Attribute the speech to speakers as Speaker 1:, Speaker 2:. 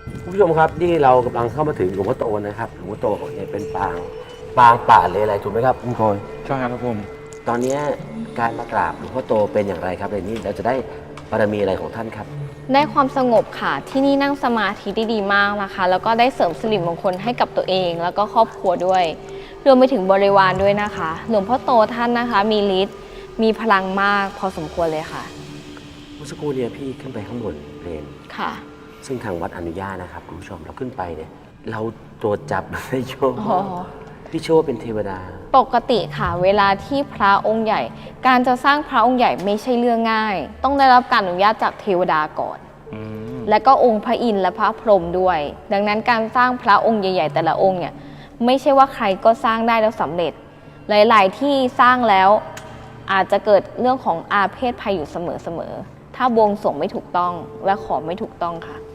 Speaker 1: คุณผู้ชมครับนี่เรากำลังเข้ามาถึงหลวงพ่อโตนะครับหลวงพ่อโตเนี่ยเป็นปางป่าเลยอะไรถูกไหมครับคุณโกย
Speaker 2: ใช่ครับผม
Speaker 1: ตอนนี้การมากราบหลวงพ่อโตเป็นอย่างไรครับในนี้เราจะได้บารมีอะไรของท่านครับ
Speaker 3: ได้ความสงบค่ะที่นี่นั่งสมาธิได้ดีมากนะคะแล้วก็ได้เสริมสิริมงคลให้กับตัวเองแล้วก็ครอบครัวด้วยรวมไปถึงบริวารด้วยนะคะหลวงพ่อโตท่านนะคะมีฤทธิ์มีพลังมากพอสมควรเลยค่ะ
Speaker 1: เมื่อสักครู่เนี่ยพี่ขึ้นไปข้างบนเพลน
Speaker 3: ค่ะ
Speaker 1: ซึ่งทางวัดอนุญาตนะครับคุณผู้ชมเราขึ้นไปเนี่ยเราตรวจจับได้โชว์
Speaker 3: อ๋อ
Speaker 1: พี่โชว์เป็นเทวดา
Speaker 3: ปกติค่ะเวลาที่พระองค์ใหญ่ การจะสร้างพระองค์ใหญ่ไม่ใช่เรื่องง่าย ต้องได้รับการอนุญาตจากเทวดาก่อน และก็องค์พระอินทร์และพระพรหมด้วย ดังนั้นการสร้างพระองค์ใหญ่ๆแต่ละองค์เนี่ยไม่ใช่ว่าใครก็สร้างได้แล้วสำเร็จ หลายๆที่สร้างแล้วอาจจะเกิดเรื่องของอาเพศภัยอยู่เสมอๆถ้าบวงสรวงไม่ถูกต้องและขอไม่ถูกต้องค่ะ